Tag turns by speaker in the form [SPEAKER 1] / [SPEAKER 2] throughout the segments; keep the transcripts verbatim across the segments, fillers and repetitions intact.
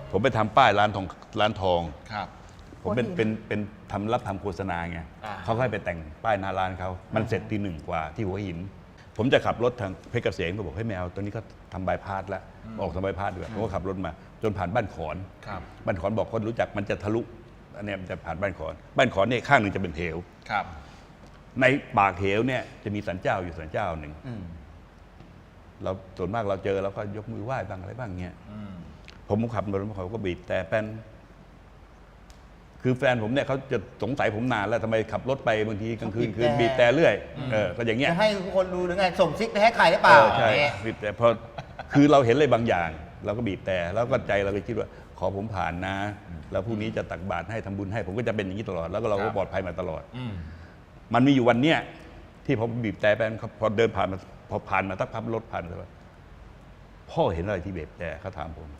[SPEAKER 1] ผมไปทำป้ายร้านทองร้านทอง
[SPEAKER 2] ครับ
[SPEAKER 1] ผมเป็นเป็นเป็นทำรับทำโฆษณาไงเขาให้ไปแต่งป้ายหน้าร้านเขามันเสร็จตีหนึ่งกว่าที่หัวหินผมจะขับรถทางเพชรเกษมเขาบอกให้แมวตอนนี้ก็ทำบายพาสแล้วออกทำบายพาสด้วยผมก็ขับรถมาจนผ่านบ้านขอนบ้านขอนบอกคนรู้จักมันจะทะลุอันนี้มันจะผ่านบ้านขอนบ้านขอนเนี่ยข้างหนึ่งจะเป็นเหว
[SPEAKER 2] ครับ
[SPEAKER 1] ในปากเหวเนี่ยจะมีศาลเจ้าอยู่ศาลเจ้าหนึ่งเราส่วนมากเราเจอเราก็ยกมือไหว้บ้างอะไรบ้างเงี้ยผมขับรถเขาก็บีบแต่แป้นคือแฟนผมเนี่ยเขาจะสงสัยผมนานแล้วทำไมขับรถไปบางทีกลางคืนคืนบีบแต่เรื่อยเออก็อย่างเงี้ย
[SPEAKER 3] จะให้คนดูหรือไงส่งซิกไปให้ใครหรือเปล่า
[SPEAKER 1] ใช่บีบแต่พอคือเราเห็นอะไรบางอย่างเราก็บีบแต่แล้วก็ใจเราก็คิดว่าขอผมผ่านนะแล้วพรุ่งนี้จะตักบาตรให้ทำบุญให้ผมก็จะเป็นอย่างนี้ตลอดแล้วก็เราก็ปลอดภัยมาตลอดมันมีอยู่วันเนี้ยที่ผมบีบแต่แป้นพอเดินผ่านมาพอผ่านมาสักพักรถผ่านไปพ่อเห็นอะไรที่บีบแต่เขาถามผม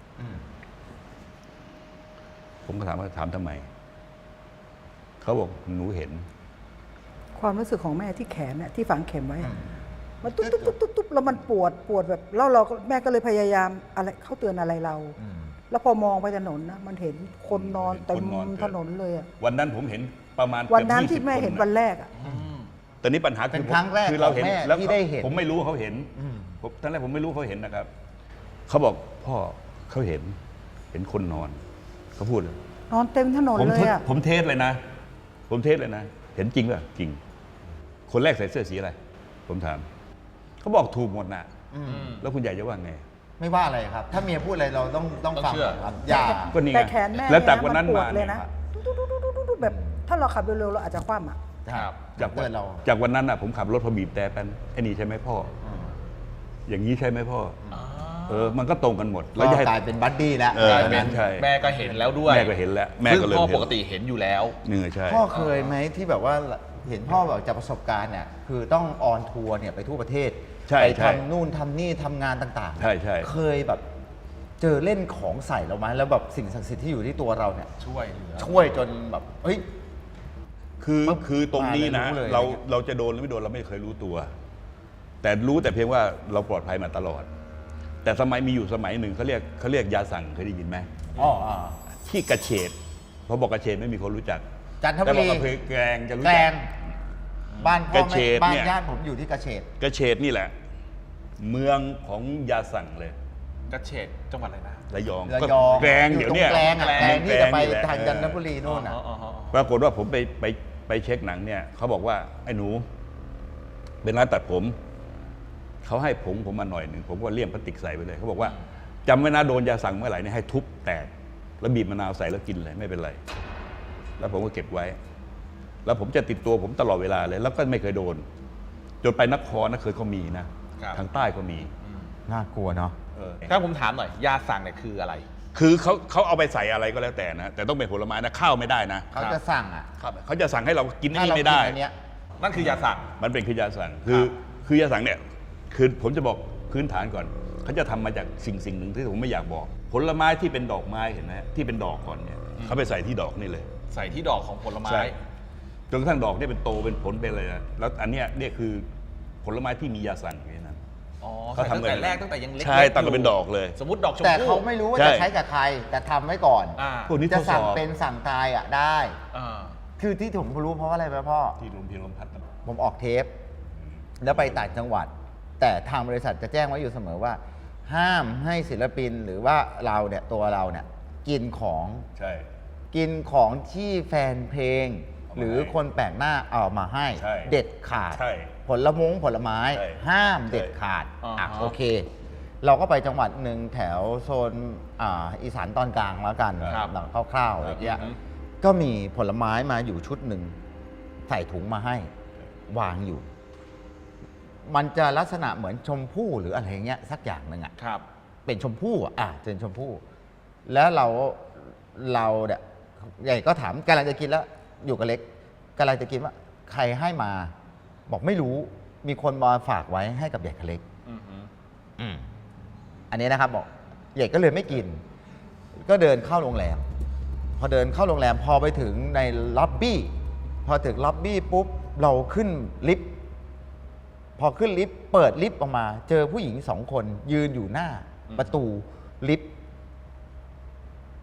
[SPEAKER 1] ผมก็ถามว่าถามทำไมเขาบอกหนูเห็น
[SPEAKER 4] ความรู้สึกของแม่ที่แขนเนี่ยที่ฝังเข็มไว้มันตุ๊บตุ๊บตุ๊บตุ๊บตุ๊บแล้วมันปวดปวดแบบแล้วเราแม่ก็เลยพยายามอะไรเขาเตือนอะไรเราแล้วพอมองไปถนนนะมันเห็นคนนอนเต็มถนนเลยอ่ะ
[SPEAKER 1] วันนั้นผมเห็นประมาณ
[SPEAKER 4] วันนั้นที่แม่เห็นวันแรกอ่ะ
[SPEAKER 1] แต่นี้ปัญหา
[SPEAKER 3] คือครั้งแรก
[SPEAKER 1] คือเราเห็นแล้ว
[SPEAKER 3] ที่ได้เห็น
[SPEAKER 1] ผมไม่รู้เขาเห็นผมตอนแรกผมไม่รู้เขาเห็นนะครับเขาบอกพ่อเขาเห็นเห็นคนนอนเขาพูดเลย
[SPEAKER 4] นอนเต็มถนนเลยอ่ะ
[SPEAKER 1] ผมเทสเลยนะผมเทสเลยนะเห็นจริงป่ะจริงคนแรกใส่เสื้อสีอะไรผมถามเขาบอกถูกหมดนะแล้วคุณใหญ่จะว่าไง
[SPEAKER 3] ไม่ว่าอะไรครับถ้าเมียพูดอะไรเราต้องต้องฟังครับอย่า
[SPEAKER 1] ก็นี่
[SPEAKER 4] แต่แขนแม่
[SPEAKER 1] แล้วจากวันนั้นมา
[SPEAKER 4] เลยนะแบบถ้าเราขับเร็วๆเราอาจจะคว่ำอ่ะ
[SPEAKER 1] จากวันเราจากวันนั้นอ่ะผมขับรถพอบีบแต่เป็นไอ้นี่ใช่ไหมพ่ออย่างนี้ใช่ไหมพ่อเออมันก็ตรงกันหมด
[SPEAKER 3] แล้วกลายเป็นบัดดี้แล้ว
[SPEAKER 2] แม่ก็เห็นแล้วด้วย
[SPEAKER 1] แม่ก็เห็นแล้วแม่ก็เลย
[SPEAKER 2] พ่อปกติเห็นอยู่แล้ว
[SPEAKER 1] เนื้อใช่
[SPEAKER 3] พ่อเคยไหมที่แบบว่าเห็นพ่อแบบจากประสบการณ์เนี่ยคือต้องออนทัวร์เนี่ยไปทั่วประเทศไปทำนู่นทำนี่ทำงานต่าง
[SPEAKER 1] ๆใช่ใช่
[SPEAKER 3] เคยแบบเจอเล่นของใส่เราไหมแล้วแบบสิ่งศักดิ์สิทธิ์ที่อยู่ที่ตัวเราเนี่ย
[SPEAKER 2] ช่วยเหลือ
[SPEAKER 3] ช่วยจนแบบเฮ้ย
[SPEAKER 1] คือคือตรงนี้นะเราเราจะโดนหรือไม่โดนเราไม่เคยรู้ตัวแต่รู้แต่เพียงว่าเราปลอดภัยมาตลอดแต่สมัยมีอยู่สมัยหนึ่งเขาเรียกเขาเรียกยาสั่งเคยได้ยินไหม
[SPEAKER 3] อ๋อ
[SPEAKER 1] ที่กระเฉดพอบอกกระเฉดไม่มีคนรู้จัก
[SPEAKER 3] จันทบุรี
[SPEAKER 1] แต่บอกแกลงจะรู้
[SPEAKER 3] จั
[SPEAKER 1] ก
[SPEAKER 3] บ้านพ่อแม่บ้านญาติผมอยู่ที่กระเฉด
[SPEAKER 1] กระเฉดนี่แหละเมืองของยาสั่งเลย
[SPEAKER 2] กระเฉดจังหวัดอะไรนะ
[SPEAKER 1] ระยอง
[SPEAKER 3] ระยอง
[SPEAKER 1] แกลงเดี๋ยวนี้
[SPEAKER 3] แกลงแกลงที่จะไปทางจันทบุรีโน่นอ่ะ
[SPEAKER 1] ปรากฏว่าผมไปไปไปเช็คหนังเนี่ยเขาบอกว่าไอ้หนูเป็นร้านตัดผมเขาให้ผงผมมาหน่อยหนึ่งผมก็เลี่ยมพลาสติกใส่ไปเลยเขาบอกว่าจำไว้นะโดนยาสั่งเมื่อไหร่เนี่ยให้ทุบแตกแล้วบีบมะนาวใส่แล้วกินเลยไม่เป็นไรแล้วผมก็เก็บไว้แล้วผมจะติดตัวผมตลอดเวลาเลยแล้วก็ไม่เคยโดนจนไปนครนะเคยเขามีนะทางใต้ก็มี
[SPEAKER 3] น่ากลัวเนาะ
[SPEAKER 2] ถ้าผมถามหน่อยยาสั่งเนี่ยคืออะไร
[SPEAKER 1] คือเขาเขาเอาไปใส่อะไรก็แล้วแต่นะแต่ต้องเป็นผลไม้นะข้าวไม่ได้นะ
[SPEAKER 3] เขาจะสั่งอ่ะ
[SPEAKER 1] เขาจะสั่งให้เรากินนี่ไม่ได้
[SPEAKER 2] นั่นคือยาสั่ง
[SPEAKER 1] มันเป็นคือยาสั่งคือคือยาสั่งเนี่ยคือผมจะบอกพื้นฐานก่อนเขาจะทำมาจากสิ่งสิ่งหนึ่งที่ผมไม่อยากบอกผลไม้ที่เป็นดอกไม้เห็นไหมที่เป็นดอกก่อนเนี่ยเขาไปใส่ที่ดอกนี่เลย
[SPEAKER 2] ใส่ที่ดอกของผลไม้
[SPEAKER 1] จนกระทั่งดอกเนี่ยเป็นโตเป็นผลเป็นอะไรนะแล้วอันเนี้ยเนี่ยคือผลไม้ที่มียาสั่งอย่างนั้น
[SPEAKER 2] เขาทำตั้งแต่แรกตั้งแต่ยังเล็ก
[SPEAKER 1] ใช่ตั้งแต่เป็นดอกเลย
[SPEAKER 2] สมมติดอกชมพู่
[SPEAKER 3] แต่เขาไม่รู้ว่าจะใช้กับใครแต่ทำไว้ก่อนจะสั่งเป็นสั่งตายอ่ะได้คือที่ผมรู้เพราะอะไรไหมพ่อ
[SPEAKER 1] ที่ลมเพียงลมพัด
[SPEAKER 3] ผมออกเทปแล้วไปต่างจังหวัดแต่ทางบริษัทจะแจ้งไว้อยู่เสมอว่าห้ามให้ศิลปินหรือว่าเราเนี่ยตัวเราเนี่ยกินของ
[SPEAKER 1] ใช่
[SPEAKER 3] กินของที่แฟนเพลงหรือคนแปลกหน้าเอามาให้เด็ดขาดผลมงผลไม้ห้ามเด็ดขาดอ่ะโอเคเราก็ไปจังหวัดหนึ่งแถวโซนอีสานตอนกลางแล้วกันหลังคร่าวๆอะไรอย่างเงี้ยก็มีผลไม้มาอยู่ชุดหนึ่งใส่ถุงมาให้วางอยู่มันจะลักษณะเหมือนชมพู่หรืออะไรเงี้ยสักอย่างหนึ่งอ่ะเป็นชมพู่อ่ะเป็นชมพู่แล้วเราเราเนี่ยใหญ่ก็ถามกำลังจะกินแล้วอยู่กับเล็กกำลังจะกินว่าใครให้มาบอกไม่รู้มีคนมาฝากไว้ให้กับใหญ่กับเล็กอันนี้นะครับบอกใหญ่ก็เลยไม่กินก็เดินเข้าโรงแรมพอเดินเข้าโรงแรมพอไปถึงในล็อบบี้พอถึงล็อบบี้ปุ๊บเราขึ้นลิฟต์พอขึ้นลิฟต์เปิดลิฟต์ออกมาเจอผู้หญิงสองคนยืนอยู่หน้าประตูลิฟต์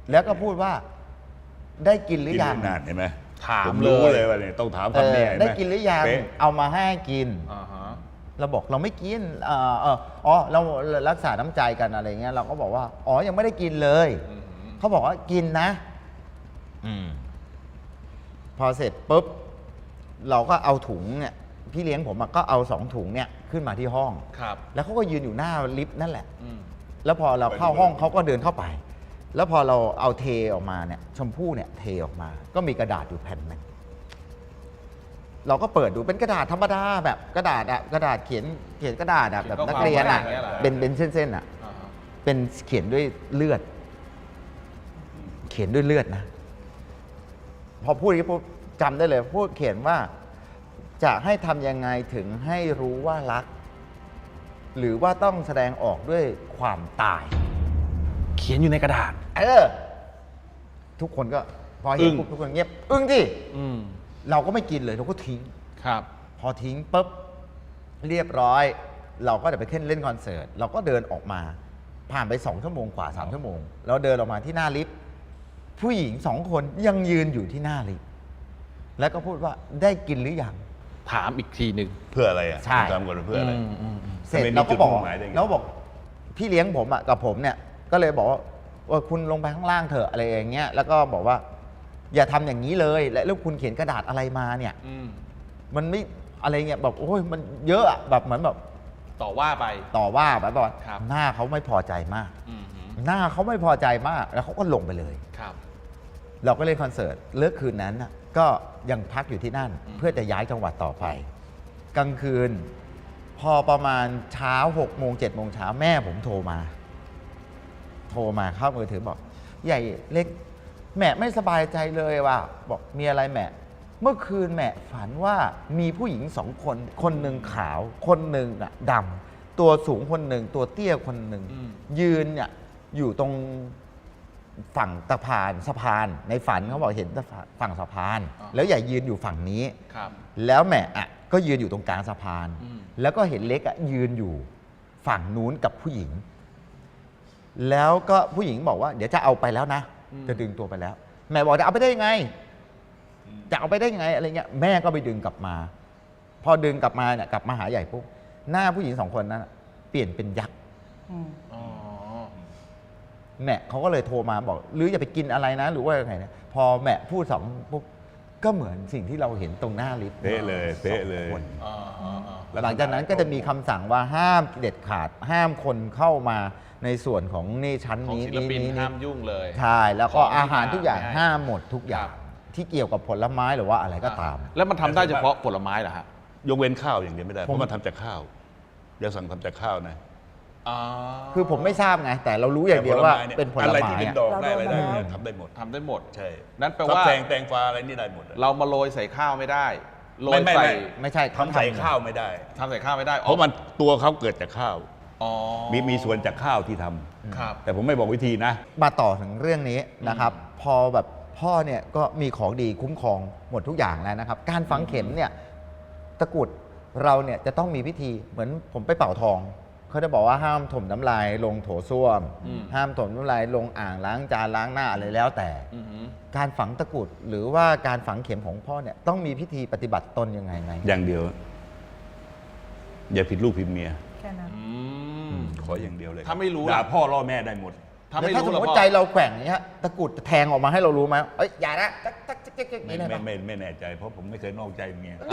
[SPEAKER 3] แล้วก็พูดว่าได้กินหรือยัง
[SPEAKER 1] กินนานเห็นไหม
[SPEAKER 2] ถาม
[SPEAKER 1] ผมรู้
[SPEAKER 2] เลย
[SPEAKER 1] เลยว่าเนี่ยต้องถาม
[SPEAKER 3] เอ
[SPEAKER 1] คำนี้
[SPEAKER 3] อ
[SPEAKER 1] เห็นหม
[SPEAKER 3] ได้กินหรือยัง
[SPEAKER 1] เป๊ะ
[SPEAKER 3] เอามาให้กิน
[SPEAKER 2] อ่าฮะ
[SPEAKER 3] เราบอกเราไม่กินเออเอออ๋อเรารักษาน้ำใจกันอะไรเงี้ยเราก็บอกว่าอ๋อยังไม่ได้กินเลย
[SPEAKER 2] อืม
[SPEAKER 3] เขาบอกว่ากินนะ อืมพอเสร็จปุ๊บเราก็เอาถุงเนี่ยพี่เลี้ยงผมอะก็เอาสองถุงเนี่ยขึ้นมาที่ห้อง
[SPEAKER 2] ครับ
[SPEAKER 3] แล้วเขาก็ยืนอยู่หน้าลิฟต์นั่นแหละ
[SPEAKER 2] อืม
[SPEAKER 3] แล้วพอเราเข้าห้องเขาก็เดินเข้าไป แล้วพอเราเอาเทออกมาเนี่ยชมพู่เนี่ยเทออกมา ก็มีกระดาษอยู่แผ่นหนึงเราก็เปิดดูเป็นกระดาษธรรมดาแบบกระดาษอะกระดาษเขียนเขียนกระดาษอะแบบนักเรียนอะ
[SPEAKER 2] เขียนข้อความอะไรอย่างเงี้ยเหรอ
[SPEAKER 3] เป็นเป็นเส้นๆอะ
[SPEAKER 2] อ่าฮะ
[SPEAKER 3] เป็นเขียนด้วยเลือด เขียนด้วยเลือดนะ พอพูดอย่างนี้ปุ๊บจำได้เลย พูดเขียนว่า จะให้ทำยังไงถึงให้รู้ว่ารัก หรือว่าต้องแสดงออกด้วยความตาย
[SPEAKER 2] เขียนอยู่ในกระดาษ
[SPEAKER 3] เออ ทุกคนก็ พอเห็นปุ๊บทุกคนเงียบ อึ้งที่
[SPEAKER 2] อืม
[SPEAKER 3] เราก็ไม่กินเลยเราก็ทิ้ง
[SPEAKER 2] ครับ
[SPEAKER 3] พอทิ้งปุ๊บเรียบร้อย เราก็จะไปขึ้นเล่นคอนเสิร์ตเราก็เดินออกมา ผ่านไปสองชั่วโมงกว่าสามชั่วโมงเราเดินออกมาที่หน้าลิฟต์ผู้หญิงสองคนยังยืนอยู่ที่หน้าลิฟต์แล้วก็พูดว่าได้กินหรือยัง
[SPEAKER 2] ถามอีกทีหนึ่ง
[SPEAKER 1] เพื่ออะไรอ่ะ
[SPEAKER 3] ใช่
[SPEAKER 1] ผมถามก่อนว่าเพื่ออะไร
[SPEAKER 2] มอืมอืม
[SPEAKER 3] เสร็จ
[SPEAKER 1] ทำไมมี
[SPEAKER 3] เราก็บอก
[SPEAKER 1] จุดมุ่งหมายได้ไง
[SPEAKER 3] เราบอกพี่เลี้ยงผมอ่ะกับผมเนี่ยก็เลยบอกว่าเออคุณลงไปข้างล่างเถอะอะไรอย่างเงี้ยแล้วก็บอกว่า อย่าทำอย่างนี้เลย และแล้วคุณเขียนกระดาษอะไรมาเนี่ย
[SPEAKER 2] อืม
[SPEAKER 3] มันไม่อะไรเงี้ยแบบโอ้ยมันเยอะอะแบบเหมือนแบบ
[SPEAKER 2] ต่อว่าไป
[SPEAKER 3] ต่อว่าแบบว่า
[SPEAKER 2] ครับ
[SPEAKER 3] หน้าเขาไม่พอใจมาก
[SPEAKER 2] อืมฮึ
[SPEAKER 3] หน้าเขาไม่พอใจมากแล้วเขาก็ลงไปเลย
[SPEAKER 2] ครับ
[SPEAKER 3] เราก็เล่นคอนเสิร์ตเลิกคืนนั้นน่ะก็ยังพักอยู่ที่นั่น
[SPEAKER 2] อืม
[SPEAKER 3] เพื่อจะย้ายจังหวัดต่อไป กลางคืน พอประมาณเช้าหกโมงเจ็ดโมงเช้าแม่ผมโทรมา โทรมาเข้ามือถือบอก ใหญ่เล็ก แม่ไม่สบายใจเลยว่ะบอกมีอะไรแม่ เมื่อคืนแม่ฝันว่ามีผู้หญิงสองคน คนหนึ่งขาว คนหนึ่งอะดำตัวสูงคนหนึ่งตัวเตี้ยคนหนึ่ง
[SPEAKER 2] อืม
[SPEAKER 3] ยืนเนี่ยอยู่ตรงฝั่งสะพานสะพาน ในฝันเขาบอกเห็นฝั่งสะพาน แล้วใหญ่ยืนอยู่ฝั่งนี้
[SPEAKER 2] ครับ
[SPEAKER 3] แล้วแม่อะก็ยืนอยู่ตรงกลางสะพาน
[SPEAKER 2] อืม
[SPEAKER 3] แล้วก็เห็นเล็กอะยืนอยู่ฝั่งนู้นกับผู้หญิง แล้วก็ผู้หญิงบอกว่า เดี๋ยวจะเอาไปแล้วนะ จะดึงตัวไปแล้ว แม่บอกจะเอาไปได้ยังไง จะเอาไปได้ยังไงอะไรเงี้ยแม่ก็ไปดึงกลับมา พอดึงกลับมาเนี่ยกลับมาหาใหญ่ปุ๊บหน้าผู้หญิงสองคนนั้นอะเปลี่ยนเป็นยักษ์
[SPEAKER 4] อืม
[SPEAKER 2] อ๋อ
[SPEAKER 3] แม่เขาก็เลยโทรมาบอกหรืออย่าไปกินอะไรนะ หรือว่ายังไงนะพอแม่พูดสองปุ๊บก็เหมือนสิ่งที่เราเห็นตรงหน้าลิฟต์
[SPEAKER 1] เป๊ะเลยเป๊ะเลย
[SPEAKER 3] สองคน
[SPEAKER 2] อ่าอ่าอ่า
[SPEAKER 3] หลังจากนั้นก็จะมีคำสั่งว่าห้ามเด็ดขาด ห้ามคนเข้ามาในส่วนของนี่ชั้น
[SPEAKER 2] ของ
[SPEAKER 3] นี้
[SPEAKER 2] ศิลปิน
[SPEAKER 3] นี้
[SPEAKER 2] ห้ามยุ่งเลย
[SPEAKER 3] ใช่แล้วก็
[SPEAKER 2] ของที่
[SPEAKER 3] อาหารทุกอย่าง
[SPEAKER 2] ไม่ให้
[SPEAKER 3] ห้ามหมดทุกอย่าง
[SPEAKER 2] ครับ
[SPEAKER 3] ที่เกี่ยวกับผลไม้หรือว่าอะไรก็ตาม
[SPEAKER 2] แล้วมันทำได้เฉพาะผลไม้เหรอฮะ
[SPEAKER 1] ยกเว้นข้าวอย่างเดียวไม่ได้ เพ
[SPEAKER 3] ผม
[SPEAKER 1] ราะมันทำจากข้าวอย่าสั่งทำจากข้าวนะ
[SPEAKER 2] อ๋อ
[SPEAKER 3] คือผมไม่ทราบไง แต่เรารู้อย่างเดียวว่า
[SPEAKER 1] แต่
[SPEAKER 3] เป็นผล
[SPEAKER 1] อะไร
[SPEAKER 3] ไม้
[SPEAKER 1] ที่เป็น
[SPEAKER 3] อะ
[SPEAKER 1] ดอกได้อะไรได้
[SPEAKER 4] เราโดนมาแล้ว
[SPEAKER 1] เนี่ยทำได้หมด
[SPEAKER 2] ทำได้หมด
[SPEAKER 1] ใช่
[SPEAKER 2] นั่นแปล
[SPEAKER 1] ฟัก
[SPEAKER 2] ว่า
[SPEAKER 1] แตงแตงฟ้าอะไรนี่ได้หมดอะ
[SPEAKER 2] เรามาโรยใส่ข้าวไม่ได้ โร
[SPEAKER 1] ไม่
[SPEAKER 2] ย
[SPEAKER 1] ไม่
[SPEAKER 2] ใส่
[SPEAKER 1] ไม่
[SPEAKER 3] ไม่ใช่
[SPEAKER 1] ทำใส่ข้าวไม่ได้
[SPEAKER 2] ทำใส่ข้าวไม่ได้
[SPEAKER 1] เพราะมันตัวเขาเกิดจากข้าว
[SPEAKER 2] อ๋อ
[SPEAKER 1] มีมีส่วนจากข้าวที่ทำ
[SPEAKER 2] ครับ
[SPEAKER 1] แต่ผมไม่บอกวิธีนะ
[SPEAKER 3] มาต่อถึงเรื่องนี้นะครับ พอแบบพ่อเนี่ยก็มีของดีคุ้มครองหมดทุกอย่างแล้วนะครับ การฝังเข็มเนี่ยตะกรุดเราเนี่ยจะต้องมีพิธีเหมือนผมไปเป่าทองเขาจะบอกว่าห้ามถมน้ำลายลงโถส้วม
[SPEAKER 2] อืม
[SPEAKER 3] ห้ามถมน้ำลายลงอ่างล้างจานล้างหน้าอะไรแล้วแต่
[SPEAKER 2] อือหือ
[SPEAKER 3] การฝังตะกรุดหรือว่าการฝังเข็มของพ่อเนี่ยต้องมีพิธีปฏิบัติตนยังไงไหม
[SPEAKER 1] อย่างเดียว อย่าผิดลูกผิดเมีย
[SPEAKER 4] แค่นั้น
[SPEAKER 2] อืม
[SPEAKER 1] ขออย่างเดียวเลย
[SPEAKER 2] ถ้าไม่รู้
[SPEAKER 1] ด่า
[SPEAKER 2] ล่ะ
[SPEAKER 1] พ่อล่อแม่ได้หมด
[SPEAKER 2] ถ้า
[SPEAKER 3] แล้ว
[SPEAKER 2] ไม่
[SPEAKER 3] ถ้า
[SPEAKER 2] รู้
[SPEAKER 3] สม
[SPEAKER 2] แล้ว
[SPEAKER 3] มติ
[SPEAKER 2] พ่อ
[SPEAKER 3] ใจเราแกว่งอย่างเงี้ยตะกรุดจะแทงออกมาให้เรารู้ไหมเอ้ยอย่านะจักจักจักจักจัก
[SPEAKER 1] ไม่
[SPEAKER 3] นี่ได้
[SPEAKER 1] ไม่
[SPEAKER 3] ปะ
[SPEAKER 1] ไม่ไม่แน่ใจ เพราะผมไม่เคยนอกใจเมีย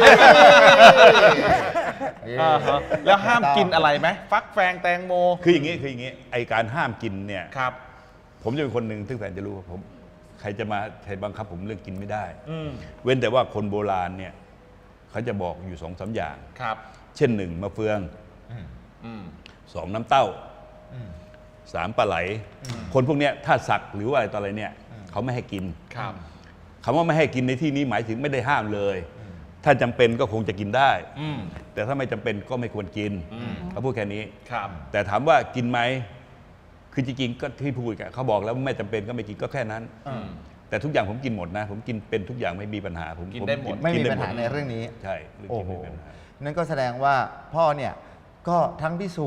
[SPEAKER 2] อ่าฮะแล้วห้ามกินอะไรไหมฟักแฟงแตงโม
[SPEAKER 1] คืออย่างนี้คืออย่างนี้ไอการห้ามกินเนี่ย
[SPEAKER 2] ครับ
[SPEAKER 1] ผมจะเป็นคนหนึ่งซึ่งแฟนจะรู้ว่าผมใครจะมาใครบังคับผมเรื่องกินไม่ได้
[SPEAKER 2] อืม
[SPEAKER 1] เว้นแต่ว่าคนโบราณเนี่ยเขาจะบอกอยู่สองสามอย่าง
[SPEAKER 2] ครับ
[SPEAKER 1] เช่นหนึ่งมะเฟือง
[SPEAKER 2] อืม
[SPEAKER 1] สองน้ำเต้า
[SPEAKER 3] อืม
[SPEAKER 1] สามปลาไหล คนพวกเนี้ยถ้าสักหรือว่าอะไรต่ออะไรเนี่ยเขาไม่ให้กิน
[SPEAKER 2] ครับ
[SPEAKER 1] คำว่าไม่ให้กินในที่นี้หมายถึงไม่ได้ห้ามเลย ถ้าจำเป็นก็คงจะกินได้
[SPEAKER 2] อืม
[SPEAKER 1] แต่ถ้าไม่จำเป็นก็ไม่ควรกิน
[SPEAKER 2] อืม
[SPEAKER 1] เขาพูดแค่นี้
[SPEAKER 2] ครับ
[SPEAKER 1] แต่ถามว่ากินไหมคือจริงๆก็ที่พูดกันเขาบอกแล้วไม่จำเป็นก็ไม่กินก็แค่นั้น
[SPEAKER 2] อืม
[SPEAKER 1] แต่ทุกอย่างผมกินหมดนะ ผมกินเป็นทุกอย่างไม่มีปัญหาผม
[SPEAKER 2] กินได้หมด
[SPEAKER 1] ผ
[SPEAKER 3] ไม่มี
[SPEAKER 1] กิ
[SPEAKER 3] ปัญ
[SPEAKER 1] ด้
[SPEAKER 3] หาในเรื่องนี้
[SPEAKER 1] ใช่เรื่อง
[SPEAKER 3] โอ้
[SPEAKER 1] กิน
[SPEAKER 3] โห
[SPEAKER 1] ไม่มีปัญหา
[SPEAKER 3] นั่นก็แสดงว่าพ่อเนี่ยก็ทั้งพิสูจน์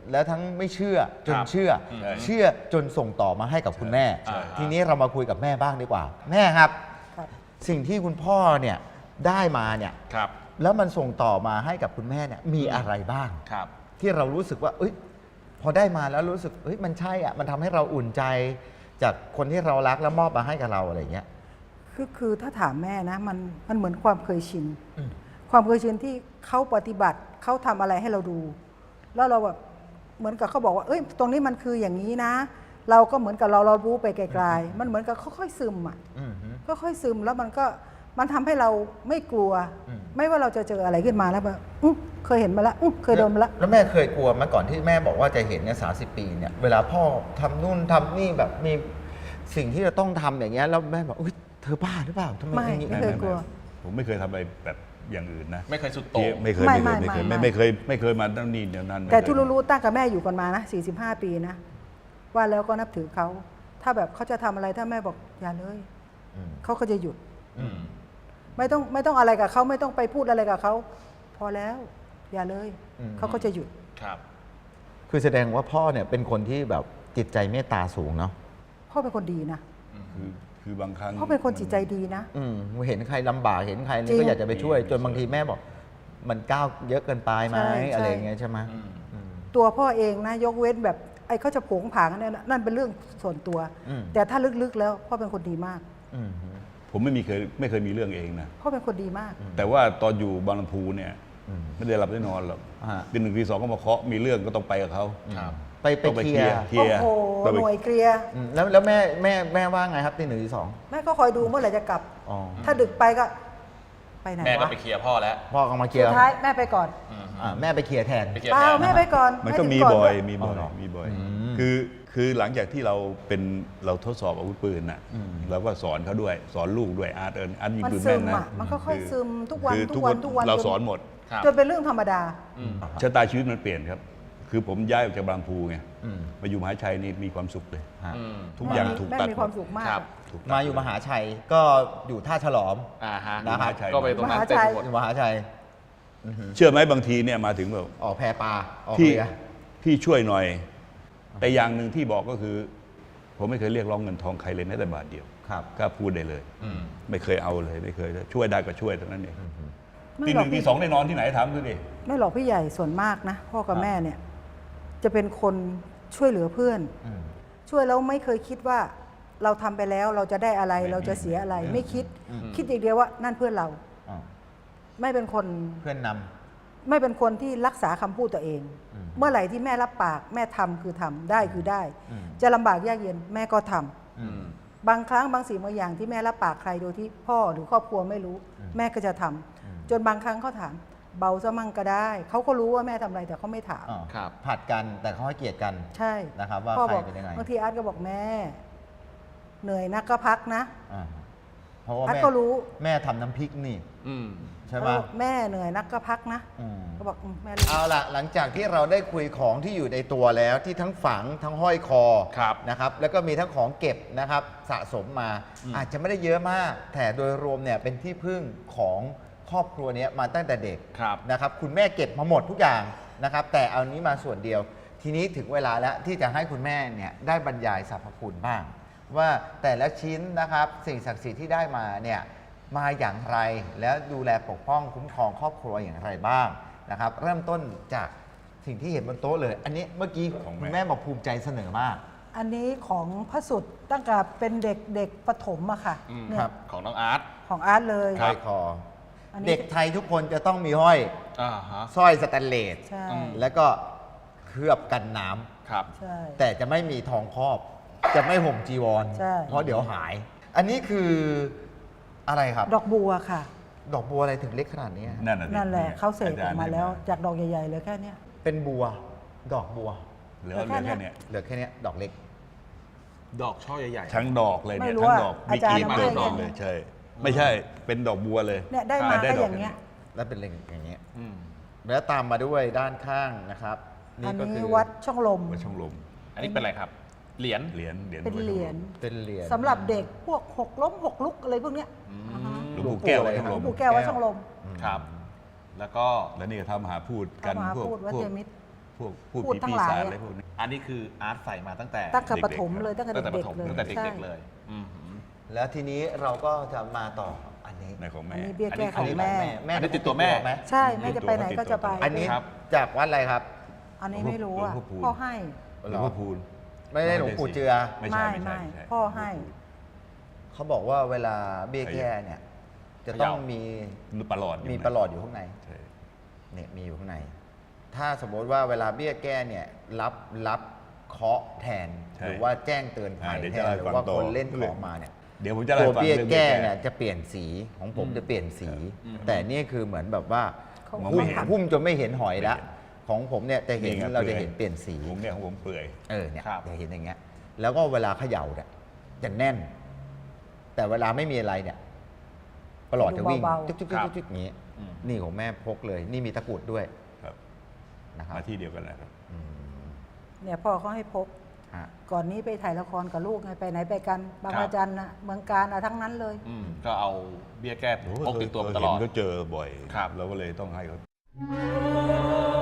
[SPEAKER 3] แล้วทั้งไม่เชื่อจน
[SPEAKER 2] ครับ
[SPEAKER 3] เชื่อ
[SPEAKER 2] ใช่
[SPEAKER 3] เชื่อจนส่งต่อมาให้กับคุณแม่
[SPEAKER 2] ใช่
[SPEAKER 3] ทีนี้เรามาคุยกับแม่บ้างดีกว่า แม่ครับ
[SPEAKER 4] ครับ
[SPEAKER 3] สิ่งที่คุณพ่อเนี่ยได้มาเนี่ย
[SPEAKER 2] ครับ
[SPEAKER 3] แล้วมันส่งต่อมาให้กับคุณแม่เนี่ยมีอะไรบ้าง
[SPEAKER 2] ครับ
[SPEAKER 3] ที่เรารู้สึกว่าเอ้ยพอได้มาแล้วรู้สึกเอ้ยมันใช่อ่ะมันทำให้เราอุ่นใจจากคนที่เรารักแล้วมอบมาให้กับเราอะไรอย่างเงี้ย
[SPEAKER 4] คือคือถ้าถามแม่นะมันมันเหมือนความเคยชิน
[SPEAKER 3] อืม
[SPEAKER 4] ความเคยชินที่เขาปฏิบัติเขาทำอะไรให้เราดู แล้วเราแบบเหมือนกับเขาบอกว่าเอ้ยตรงนี้มันคืออย่างนี้นะ เราก็เหมือนกับเราเรารู้ไปไกลๆมันเหมือนกับค่อยๆซึมอ่ะ
[SPEAKER 3] อืมฮึ
[SPEAKER 4] ค่อยๆซึมแล้วมันก็มันทำให้เราไม่กลัว
[SPEAKER 3] อืม
[SPEAKER 4] ไม่ว่าเราจะเจออะไรขึ้นมาแล้วแบบอื้อเคยเห็นมาแล้วอื้อเคยโดนมาแล้ว
[SPEAKER 3] แล้วแม่เคยกลัวไหมาก่อนที่แม่บอกว่าจะเห็นเนี่ยสาสิบปีเนี่ยเวลาพ่อทำนู่นทำนี่แบบมีสิ่งที่จะต้องทำอย่างเงี้ยแล้วแม่บอกอุ้ยเธอบ้าหรือเปล่าทำไม
[SPEAKER 4] ไม่
[SPEAKER 3] อย่างงี้
[SPEAKER 4] ไม่เคยกลัว
[SPEAKER 1] ผมไม่เคยทำอะไรแบบอย่างอื่นนะ
[SPEAKER 2] ไม่เคยสุดโต่ง
[SPEAKER 1] ไม่เคย
[SPEAKER 4] ไม่
[SPEAKER 1] ไม่เคย
[SPEAKER 4] ไม่
[SPEAKER 1] ไม่เคย
[SPEAKER 4] ไม่
[SPEAKER 1] ไม่ไม่เคยไม่เคยมาตั้งนี่เดี๋ยวนั้น
[SPEAKER 4] แต่
[SPEAKER 1] ไม่เคย
[SPEAKER 4] ที่รู้ๆตั้งกับแม่อยู่กันมานะสี่สิบห้าปีนะ ว่าแล้วก็นับถือเขา ถ้าแบบเขาจะทำอะไรถ้าแม่บอกอย่าเลย
[SPEAKER 3] อืม
[SPEAKER 4] เขาก็จะหยุด
[SPEAKER 2] อืม
[SPEAKER 4] ไม่ต้องไม่ต้องอะไรกับเขาไม่ต้องไปพูดอะไรกับเขาพอแล้ว อย่าเลย
[SPEAKER 3] อืม
[SPEAKER 4] เขาก็จะหยุด
[SPEAKER 2] ครับ
[SPEAKER 3] คือแสดงว่าพ่อเนี่ยเป็นคนที่แบบจิตใจเมตตาสูงเนาะ
[SPEAKER 4] พ่อเป็นคนดีนะ
[SPEAKER 1] คือคือบางครั้ง
[SPEAKER 4] พ่อเป็นคนจิตใจดีนะ
[SPEAKER 3] อืมเห็นใครลำบากเห็นใคร
[SPEAKER 4] จริ
[SPEAKER 3] นี่
[SPEAKER 4] ง
[SPEAKER 3] ก็อยากจะไปช่วย
[SPEAKER 1] จริง
[SPEAKER 3] จนบางทีแม่บอก มันก้าวเยอะเกินไปไหม
[SPEAKER 4] ใช่ใช่
[SPEAKER 3] อะไรอย่างเงี้ยใช่ไหม
[SPEAKER 2] อืม
[SPEAKER 3] อืม
[SPEAKER 4] ตัวพ่อเองนะยกเว้นแบบไอ้เขาจะโผงผางนั่นนะนั่นเป็นเรื่องส่วนตัว
[SPEAKER 3] อืม
[SPEAKER 4] แต่ถ้าลึกๆแล้วพ่อเป็นคนดีมาก
[SPEAKER 3] อืม
[SPEAKER 1] ผมไม่มีเคยไม่เคยมีเรื่องเองนะ
[SPEAKER 4] พ่อเป็นคนดีมาก
[SPEAKER 1] แต่ว่าตอนอยู่บางลำพูเนี่ย
[SPEAKER 3] อืม
[SPEAKER 1] ไม่ได้หลับได้นอนหรอก
[SPEAKER 3] อ่า
[SPEAKER 1] ปีหนึ่งปีสองก็มาเคาะมีเรื่องก็ต้องไปกับเขา
[SPEAKER 2] ครับ
[SPEAKER 3] ไปไป
[SPEAKER 1] ต้องไป
[SPEAKER 3] เค
[SPEAKER 1] เค
[SPEAKER 3] ลี
[SPEAKER 1] ลี
[SPEAKER 3] ย
[SPEAKER 1] ย
[SPEAKER 3] ร์
[SPEAKER 1] ร์เคลี
[SPEAKER 4] โอ้
[SPEAKER 1] ยร์
[SPEAKER 4] โห
[SPEAKER 1] ต้อง
[SPEAKER 4] ห
[SPEAKER 1] ไป
[SPEAKER 4] น่วยเกลียร์
[SPEAKER 3] อืมแล้วแล้วแม่แม่แม่ว่าไงครับตีหนึ่งตีสอง
[SPEAKER 4] แม่ก็คอยดูเมื่อไหร่จะกลับ
[SPEAKER 3] อ๋อ
[SPEAKER 4] ถ้าดึกไปก็ ไปไหน
[SPEAKER 2] แม่ก็
[SPEAKER 4] วะ
[SPEAKER 2] ไปเคลียร์พ่อแล้ว
[SPEAKER 3] พ่อก็มาเคลีย
[SPEAKER 4] สุ
[SPEAKER 3] ร์
[SPEAKER 4] ดท้ายแม่ไปก่อน
[SPEAKER 2] อืม
[SPEAKER 3] อ่าแม่ไปเคลียร์แทน
[SPEAKER 2] ไปเคลียร์
[SPEAKER 4] เปล่า
[SPEAKER 2] แทน
[SPEAKER 4] แม่ไปก่อน
[SPEAKER 1] มันก็
[SPEAKER 4] แถึง
[SPEAKER 1] มี
[SPEAKER 4] น
[SPEAKER 1] บ่อย
[SPEAKER 4] ด้วย
[SPEAKER 1] มีบ่อย
[SPEAKER 3] อ๋อเหรอ
[SPEAKER 1] มีบ่อย
[SPEAKER 3] อืม
[SPEAKER 1] คือคือหลังจากที่เราเป็นเราทดสอบอาวุธปืนน่ะ
[SPEAKER 3] อืม
[SPEAKER 1] เราก็สอนเขาด้วย สอนลูกด้วยอาร์ตเอิญอาร์ตยิง
[SPEAKER 4] มัน
[SPEAKER 1] ปืน
[SPEAKER 4] ซึ
[SPEAKER 1] แม่น
[SPEAKER 4] ม
[SPEAKER 1] นะ
[SPEAKER 4] อ่ะมันก็ค่อย
[SPEAKER 1] คือ
[SPEAKER 4] ซึมทุกวัน
[SPEAKER 1] คือ
[SPEAKER 4] ทุกวันทุกวัน
[SPEAKER 1] เรา
[SPEAKER 4] จ
[SPEAKER 1] สอนหมด
[SPEAKER 2] ครับ
[SPEAKER 4] จนเป็นเรื่องธรรมดา
[SPEAKER 2] อืม
[SPEAKER 1] ชะตาชีวิตมันเปลี่ยนครับ คือผมย้ายออกจากบางพูไง
[SPEAKER 3] อืม
[SPEAKER 1] มาอยู่มหาชัยนี่มีความสุขเลย
[SPEAKER 3] ฮะ
[SPEAKER 2] อืม
[SPEAKER 1] ทุกอย่างถูก
[SPEAKER 4] แม่
[SPEAKER 1] ตัด
[SPEAKER 4] มีความสุขมาก
[SPEAKER 2] ครับ
[SPEAKER 1] ถูกตัด
[SPEAKER 3] มาอยู่มหาชัยก็อยู่ท่าฉลอม
[SPEAKER 2] อ่าฮะ
[SPEAKER 3] นะครับ
[SPEAKER 2] ก็ไปตรงนั้น
[SPEAKER 4] มหา
[SPEAKER 2] เต็ม
[SPEAKER 4] ชัย
[SPEAKER 2] ไปหมด
[SPEAKER 3] อยู่มหาชัยอือหือ
[SPEAKER 1] เชื่อไหมบางทีเนี่ยมาถึงแบบ
[SPEAKER 3] ออกแพปลาออก
[SPEAKER 1] พี่
[SPEAKER 3] เรือ
[SPEAKER 1] พี่ช่วยหน่อย แต่อย่างหนึ่งที่บอกก็คือ ผมไม่เคยเรียกร้องเงินทองใครเลยแม้แต่บาทเดียว
[SPEAKER 3] ครับ
[SPEAKER 1] กล้าพูดได้เลย
[SPEAKER 2] อืม
[SPEAKER 1] ไม่เคยเอาเลยไม่เคยช่วยได้ก็ช่วยเท่านั้นเอง
[SPEAKER 4] ไม่
[SPEAKER 1] ที
[SPEAKER 4] ห
[SPEAKER 1] ห
[SPEAKER 4] รอก
[SPEAKER 1] นึ่งที
[SPEAKER 4] พี่
[SPEAKER 1] สองได้นอนที่ไหนถามดูดิ
[SPEAKER 4] ไม่หรอกพี่ใหญ่ส่วนมากนะ พ่อกับแม่เนี่ย จะเป็นคนช่วยเหลือเพื่อน
[SPEAKER 3] อืม
[SPEAKER 4] ช่วยแล้วไม่เคยคิดว่าเราทำไปแล้วเราจะได้อะไร
[SPEAKER 1] ไม่
[SPEAKER 4] เราจะเสียอะไร ไม่คิด
[SPEAKER 3] อืม
[SPEAKER 4] คิดอย่างเดียวว่านั่นเพื่อนเรา
[SPEAKER 3] อ๋อ
[SPEAKER 4] ไม่เป็นคน
[SPEAKER 3] เพื่อนน
[SPEAKER 4] ไม่เป็นคนที่รักษาคำพูดตัวเอง
[SPEAKER 3] อืม
[SPEAKER 4] เมื่อไหร่ที่แม่รับปาก แม่ทำคือทำได้คือได้
[SPEAKER 3] อืม
[SPEAKER 4] จะลำบากยากเย็นแม่ก็ทำ
[SPEAKER 3] ำอื
[SPEAKER 2] อื
[SPEAKER 3] ม
[SPEAKER 2] ม
[SPEAKER 4] บางครั้งบางสิ่งบางอย่างที่แม่รับปากใครโดยที่พ่อหรือครอบครัวไม่รู้
[SPEAKER 3] อืม
[SPEAKER 4] แม่ก็จะทำ
[SPEAKER 3] อืม
[SPEAKER 4] จนบางครั้งเขาถาม เบาซะมั่งก็ได้เขาก็รู้ว่าแม่ทำอะไรแต่เขาไม่ถาม
[SPEAKER 3] อ๋อ
[SPEAKER 2] ครับ
[SPEAKER 3] ผัดกันแต่เขาให้เกียรติกัน
[SPEAKER 4] ใช่
[SPEAKER 3] นะครับว่า
[SPEAKER 4] พ่อ
[SPEAKER 3] ใคร
[SPEAKER 4] บอก
[SPEAKER 3] เป็นยังไง
[SPEAKER 4] บางทีอาร์ตก็บอกแม่ เหนื่อยนักก็พักนะ
[SPEAKER 3] อ่าเพราะว่า
[SPEAKER 4] พัด
[SPEAKER 3] แม่
[SPEAKER 4] ก็รู้
[SPEAKER 3] แม่ทำน้ำพริกนี่
[SPEAKER 2] อืม
[SPEAKER 3] ใช่ไหม
[SPEAKER 4] เขาบอกแม่เหนื่อยนักก็พักนะ
[SPEAKER 3] อืม
[SPEAKER 4] ก็บอกอืมแม่รู้
[SPEAKER 3] เอาล่ะหลังจากที่เราได้คุยของที่อยู่ในตัวแล้วที่ทั้งฝังทั้งห้อยคอ
[SPEAKER 2] ครับ
[SPEAKER 3] นะครับแล้วก็มีทั้งของเก็บนะครับสะสมมา
[SPEAKER 2] อืม
[SPEAKER 3] อาจจะไม่ได้เยอะมาก แต่โดยรวมเนี่ยเป็นที่พึ่งของครอบครัวเนี้ยมาตั้งแต่เด็ก
[SPEAKER 2] ครับ
[SPEAKER 3] นะครับคุณแม่เก็บมาหมดทุกอย่างนะครับแต่เอานี้มาส่วนเดียว ทีนี้ถึงเวลาแล้วที่จะให้คุณแม่เนี่ยได้บรรยายสรรพคุณบ้าง ว่าแต่ละชิ้นนะครับสิ่งศักดิ์สิทธิ์ที่ได้มาเนี่ยมาอย่างไรแล้วดูแลปกป้องคุ้มครองครอบครัวอย่างไรบ้างนะครับเริ่มต้นจากสิ่งที่เห็นบนโต๊ะเลย อันนี้เมื่อกี้
[SPEAKER 1] ของแม่
[SPEAKER 3] คุณแม่บอกภูมิใจเสนอมาก
[SPEAKER 4] อันนี้ของพระสุดตั้งแต่เป็นเด็กเด็กประถมอะค่ะ
[SPEAKER 2] อืม
[SPEAKER 4] เนี่ย
[SPEAKER 3] ครับ
[SPEAKER 2] ของน้องอาร์ต
[SPEAKER 4] ของอาร์ตเลย
[SPEAKER 3] ห้อยคอ
[SPEAKER 4] อันนี้
[SPEAKER 3] เด็กไทยทุกคนจะต้องมีห้อย
[SPEAKER 2] อ่าฮะ
[SPEAKER 3] สร้อยสแตนเลส
[SPEAKER 4] ใช่
[SPEAKER 2] อืม
[SPEAKER 3] แล้วก็เคลือบกันน้ำ
[SPEAKER 2] ครับ
[SPEAKER 4] ใช่
[SPEAKER 3] แต่จะไม่มีทองครอบ จะไม่ห่มจีวร
[SPEAKER 4] ใช่
[SPEAKER 3] เพราะเดี๋ยวหาย อันนี้คืออะไรครับ
[SPEAKER 4] ดอกบัวค่ะ
[SPEAKER 3] ดอกบัวอะไรถึงเล็กขนาดนี้ฮะ
[SPEAKER 1] นั่นน่ะสิ
[SPEAKER 4] นั่นแหละเขาเสกออกมาแล้ว
[SPEAKER 1] จรย์
[SPEAKER 4] จากดอกใหญ่ๆเลยแค่เนี้ย
[SPEAKER 3] เป็นบัว ดอกบัว
[SPEAKER 1] เหลือเหลือแค่เนี้ย
[SPEAKER 3] เหลือแค่เนี้ยดอกเล็ก
[SPEAKER 2] ดอกช่อใหญ่ๆ
[SPEAKER 1] ทั้งดอกเลย
[SPEAKER 4] ไม่
[SPEAKER 1] เนี่ย
[SPEAKER 4] รู้
[SPEAKER 1] ทั้ง
[SPEAKER 4] ว่า
[SPEAKER 1] ดอก
[SPEAKER 4] อา
[SPEAKER 1] มี
[SPEAKER 4] จารย์
[SPEAKER 1] กลีบ
[SPEAKER 2] เอา
[SPEAKER 1] เดียว
[SPEAKER 2] ให้
[SPEAKER 1] ดอก
[SPEAKER 2] เนี่
[SPEAKER 1] เลย ยใช่ ไม่ใช่เป็นดอกบัวเลย
[SPEAKER 4] เนี่ยได้มา
[SPEAKER 1] อ่า
[SPEAKER 4] ก็
[SPEAKER 1] ด
[SPEAKER 4] อย่างเงี้ย
[SPEAKER 3] แล้วเป็นอย่างเงี้ย
[SPEAKER 2] อืม
[SPEAKER 3] แล้วตามมาด้วยด้านข้างนะครับ
[SPEAKER 4] อัน
[SPEAKER 3] ก็
[SPEAKER 4] นี้
[SPEAKER 3] คือ
[SPEAKER 4] วัดช่องลม
[SPEAKER 1] วัดช่องลม
[SPEAKER 2] อันนี้เป็นอะไรครับ เหรียญ
[SPEAKER 1] เหรียญเหรียญ
[SPEAKER 4] เป็น
[SPEAKER 1] วัด
[SPEAKER 4] เห
[SPEAKER 1] ช่อง
[SPEAKER 4] รี
[SPEAKER 1] ล
[SPEAKER 4] ยญ
[SPEAKER 1] ม
[SPEAKER 3] เป็นเหรียญ
[SPEAKER 4] สำหรับเด็กพวกหกล้มหกลุกอะไรพวกเนี้ย
[SPEAKER 2] อื
[SPEAKER 4] อ่าฮะ
[SPEAKER 2] ม
[SPEAKER 1] หลวงปู่แก้ววัดช่อง
[SPEAKER 4] หล
[SPEAKER 1] ล
[SPEAKER 4] วง
[SPEAKER 1] ม
[SPEAKER 4] ปู่แก้ววัดช่องลม
[SPEAKER 3] อืม
[SPEAKER 2] ครับ แล้วก็
[SPEAKER 1] แล้วนี่ก็ทำมหาพูดกัน
[SPEAKER 4] พระมหา
[SPEAKER 1] พวก
[SPEAKER 4] พูดวัด
[SPEAKER 1] พว
[SPEAKER 4] เท
[SPEAKER 1] ก
[SPEAKER 4] มิตร
[SPEAKER 1] พวกพูด
[SPEAKER 4] พูด
[SPEAKER 1] ผี
[SPEAKER 4] ทั้
[SPEAKER 1] ปี
[SPEAKER 4] งหลาย
[SPEAKER 1] ศาจ
[SPEAKER 4] อะ
[SPEAKER 1] อะไรพวกนี้
[SPEAKER 2] อันนี้คืออาร์ตใส่มาตั้งแต่
[SPEAKER 4] ตั้งแต่ปฐม
[SPEAKER 1] เด็กๆ
[SPEAKER 4] เลยตั้งแต่
[SPEAKER 2] ตั้งแต่ป
[SPEAKER 4] เด็ก
[SPEAKER 2] ฐม
[SPEAKER 4] ๆเลย
[SPEAKER 2] ตั้งแต่
[SPEAKER 4] ใช่
[SPEAKER 2] เด็กๆเลยอืม
[SPEAKER 3] แล้วทีนี้เราก็จะมาต่ออันนี้
[SPEAKER 1] ในของ
[SPEAKER 4] อั
[SPEAKER 1] แม่
[SPEAKER 4] นนี้เบี้ย
[SPEAKER 2] อัน
[SPEAKER 4] แก้
[SPEAKER 2] นี้
[SPEAKER 4] ของแม่
[SPEAKER 3] แม่
[SPEAKER 2] อันนี้ติดตัวแม่
[SPEAKER 3] ไหม
[SPEAKER 4] ใช่แม่จะไปไหนก็จะไป
[SPEAKER 3] อันนี้
[SPEAKER 2] ครับ
[SPEAKER 3] จากวัดอะไรครับ
[SPEAKER 4] อันนี้ไม่รู้อ่ะ
[SPEAKER 1] หลวงพ่อพูน
[SPEAKER 4] พ่อให้
[SPEAKER 1] หลวงพ่อพูน
[SPEAKER 3] ไม่ได้หลวงปู่เจือ
[SPEAKER 1] ไม่ใช่
[SPEAKER 4] ไม่
[SPEAKER 1] ไม่ใช่
[SPEAKER 4] ไม่
[SPEAKER 1] ใช่
[SPEAKER 4] พ่อให้
[SPEAKER 3] เขาบอกว่าเวลาเบี้ยแก้เนี่ย จะต้องมี
[SPEAKER 1] ประหลอด
[SPEAKER 3] มีประหลอดอยู่ข้างใน
[SPEAKER 1] ใช่
[SPEAKER 3] เนี่ยมีอยู่ข้างใน ถ้าสมมติว่าเวลาเบี้ยแก้เนี่ยรับรับเคราะห์แทน
[SPEAKER 1] ใช่
[SPEAKER 3] หรือว่าแจ้งเตือนภัย
[SPEAKER 1] อ่าเดี๋ยว
[SPEAKER 3] แท
[SPEAKER 1] จะ
[SPEAKER 3] น
[SPEAKER 1] เล่า
[SPEAKER 3] ห
[SPEAKER 1] ให้
[SPEAKER 3] รือ
[SPEAKER 1] ฟัง
[SPEAKER 3] ว่า
[SPEAKER 1] ต่อ
[SPEAKER 3] คนเล่นของมาเนี่ย
[SPEAKER 1] เดี๋ยวผมจะเล่า
[SPEAKER 3] ตัว
[SPEAKER 1] ให้ฟัง
[SPEAKER 3] เบี้ย
[SPEAKER 1] รื่อง
[SPEAKER 3] แก้
[SPEAKER 1] บี้
[SPEAKER 3] เนี่ยจะเปลี่ยนสีของผมจะเปลี่ยนสี แต่นี่คือเหมือนแบบว่า
[SPEAKER 4] เขา
[SPEAKER 1] มอง
[SPEAKER 3] หุ้
[SPEAKER 1] ไม่
[SPEAKER 3] ม
[SPEAKER 1] เห็น
[SPEAKER 3] หุ้มจนไม่เห็นหอยละของผมเนี่ยจะเห็น
[SPEAKER 1] ไง
[SPEAKER 3] เรา
[SPEAKER 1] ปื่
[SPEAKER 3] จะ
[SPEAKER 1] อย
[SPEAKER 3] เห็นเปลี่ยนสี
[SPEAKER 1] ผมเนี่ยของผมเปื่อย
[SPEAKER 3] เออเนี่ย
[SPEAKER 2] ครับ
[SPEAKER 3] จะเห็นอย่างเงี้ย แล้วก็เวลาเขย่าเนี่ยจะแน่น แต่เวลาไม่มีอะไรเนี่ยประหลอดจะวิ่ง
[SPEAKER 4] เบาๆ
[SPEAKER 3] จุ๊กจุ๊กจุ๊กจุ๊กจุ๊กอย่างงี้
[SPEAKER 2] อืม
[SPEAKER 3] นี่ของแม่พกเลย นี่มีตะกรุดด้วย
[SPEAKER 1] ครับ
[SPEAKER 3] นะครับ
[SPEAKER 1] มาที่เดียวกันนะครับ
[SPEAKER 3] อืม
[SPEAKER 4] เนี่ยพ่อเขาให้พก
[SPEAKER 3] ฮะ
[SPEAKER 4] ก่อนนี้ไปถ่ายละครกับลูกไงไปไหนไปกันบาง
[SPEAKER 2] ครับ
[SPEAKER 4] ระจันนะเมืองการอะทั้งนั้นเลย
[SPEAKER 2] อืมก็เอาเบี้ยแก้พกติดตัวมาตลอด
[SPEAKER 1] เห็นเขาเจอบ่อย
[SPEAKER 2] ครับ
[SPEAKER 1] เราก็เลยต้องให้เขา
[SPEAKER 5] 「